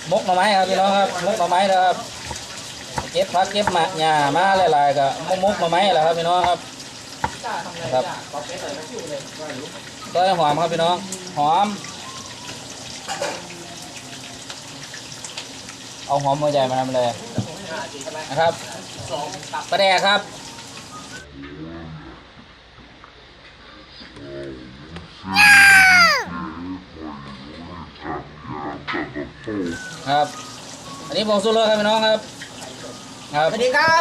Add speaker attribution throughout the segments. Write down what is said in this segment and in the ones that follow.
Speaker 1: มกหน่อไม้ครับพี่น้องครับมกหน่อไม้นะครับเก็บผักเก็บหมากหญ้ามาหลายๆก็มกหน่อไม้แหละครับพี่น้องครับครับต้อยหอมครับพี่น้องหอมเอาหอมหัวใจมาทำเลยนะครับปลาแดกครับครับอันนี้ผงชูรสครับพี่น้องครับครับสวัสดีครับ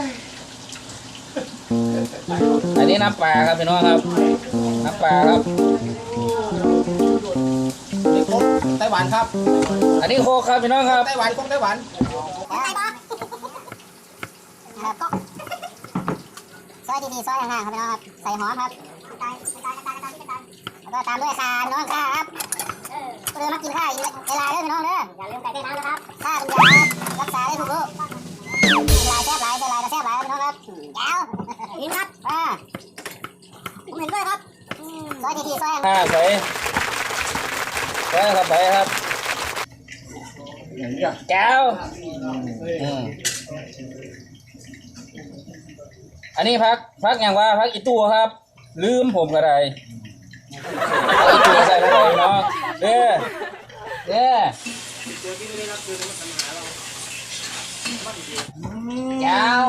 Speaker 1: อันนี้น้ำปลาครับพี่น้องครับน้ำปลาครับ
Speaker 2: นี่ครบไต้หวันครับ
Speaker 1: อันนี้โคกครับพี่น้องครับ
Speaker 2: ไต้หวันครบไต้หวัน
Speaker 3: ซอยดีๆซอยห่างๆครับพี่น้องครับใส่หอมครับแล้วก็ตามด้วยข่าพี่น้องข่าครับเรือมากินข้าวเวลาเด้อพี่น้องเด้ออย่าลืมไก่เต้นน้ำนะครับข้าเป็นยารักษาได้ทุกโรคลายแซ่บลายใส่ลายกระแซ่บลายพี่น้องครับยาวนี่ครับผมเห็นด้วยครับซอยดีๆซอยห่าง
Speaker 1: ใส่ครับใส่ครับแก้วอันนี้พักอย่างว่าพักอีตัวครับลืมผมก็ได้อีตัวใส่ไปเลยเนาะเด้แก้ว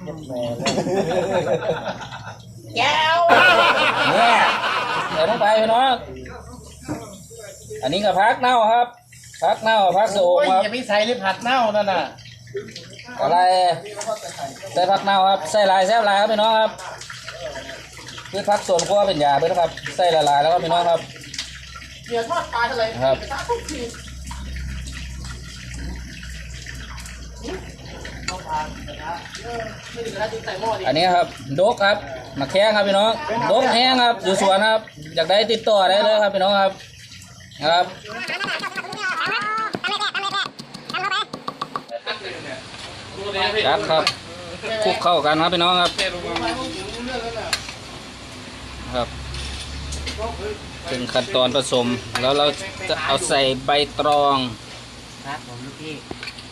Speaker 1: เนี่ยใส่ลงไปพี่น้องอันนี้ก็พักเน่าครับพักเน่าพักโสมครับ
Speaker 2: อย่าไปใส่เลยผัดเน่านั่นน่ะ
Speaker 1: อะไรใส่ผักเน่าครับใส่ลายแซ่บลายครับพี่น้องครับคือพักส่วนขั้วเป็นยาด้วยนะครับใส่ละลายแล้วก็พี่น้องครับ
Speaker 2: เดี๋ยวทอดปลาทะเล
Speaker 1: ครับอันนี้ครับดกครับมาแข้งครับพี่น้องดกแห้งครับอยู่สวนครับอยากได้ติดต่อได้เลยครับพี่น้องครับครับครับคลุกเข้ากันครับพี่น้องครับครับถึงขั้นตอนผสมแล้วเราจะเอาใส่ใบตรอง
Speaker 2: ครับผมลูกพี่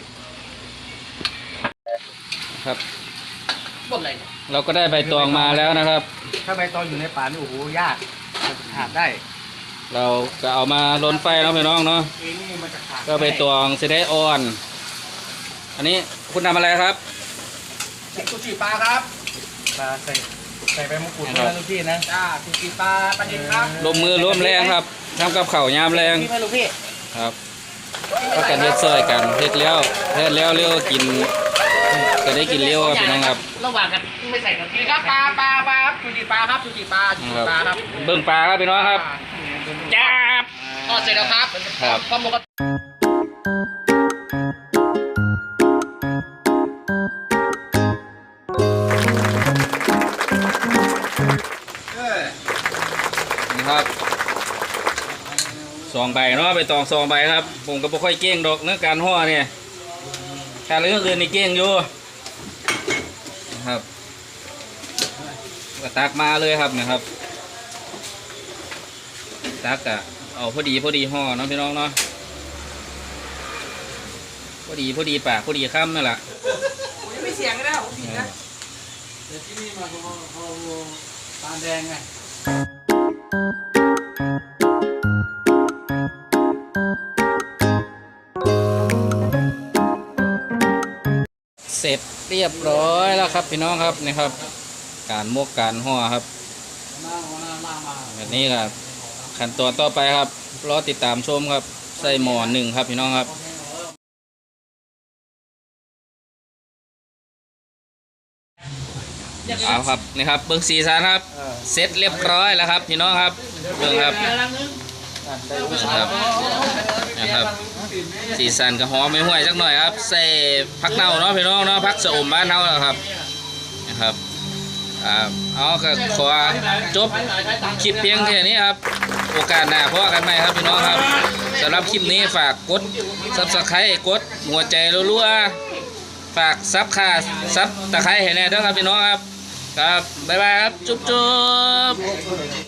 Speaker 1: ครับเราก็ได้ใบตองมาแล้วนะครับ
Speaker 2: ถ้าใบตองอยู่ในป่านี่โอ้โหยากขาดได้
Speaker 1: เราก็เอามาล้นไฟแล้วพี่น้องเนาะก็ใบตองจะได้อ่อนอันนี้คุณทำอะไรครับ
Speaker 2: ซูชิปลาครับปลาใส่ใบมะกรูดนะลูกพี่นะซูชิปลาปลาดิบครับ
Speaker 1: ลมมือร่วมแรงครับทำกับข้าวยามแรง
Speaker 2: พี่ลูกพี่
Speaker 1: ครับก็กันเฮ็ดซอยกันเฮ็ดแล้วเลี้ยวกินก็ได้กินเลี้ยวครับพี่น้องครับ
Speaker 2: ระหว่างกันไม่ใส่กันครับปลาซูชิปลาครับซูชิปลาครับ
Speaker 1: เบิ่งปลาครับพี่น้องครับจับ
Speaker 2: ทอดเสร็จแล้วครับข้าวหมูก
Speaker 1: นี่ครับ2 ใบเนาะไปตอง2 ใบครับผมก็ไม่ค่อยเก่งดอกเรื่องการห่อเนี่ยการเรื่องอื่นนี่เก่งอยู่นะครับก็ตักมาเลยครับนะครับตักอะเอาพอดีห่อเนาะพี่น้องเนาะพอดีปากพอดีค่ำนั่นแหละ
Speaker 2: ไม่เสียงก็ได้ผมผิดนะเดี๋ยวที่นี่มาเขาตาแดงไง
Speaker 1: เสร็จเรียบร้อยแล้วครับพี่น้องครับนี่ครับการมกการห่อครับแบบนี้ครับขั้นตอนต่อไปครับรอติดตามชมครับใส่หม้อ1ครับพี่น้องครับเอาครับนี่ครับเบิ้งสีสันครับเสร็จเรียบร้อยแล้วครับพี่น้องครับเบิ้งครับนะครับสีสันกับหอมไม่ห่วยสักหน่อยครับใส่ผักเน่าเนาะพี่น้องเนาะผักสะอมบ้านเน่าแล้วครับนะครับเอาก็ขอจบคลิปเพียงแค่นี้ครับโอกาสหน้าพบกันใหม่ครับพี่น้องครับสำหรับคลิปนี้ฝากกด Subscribe กดหัวใจรัวๆฝากซับตะไคร้ให้แน่ด้วยครับพี่น้องครับครับบ๊ายบายครับจุ๊บ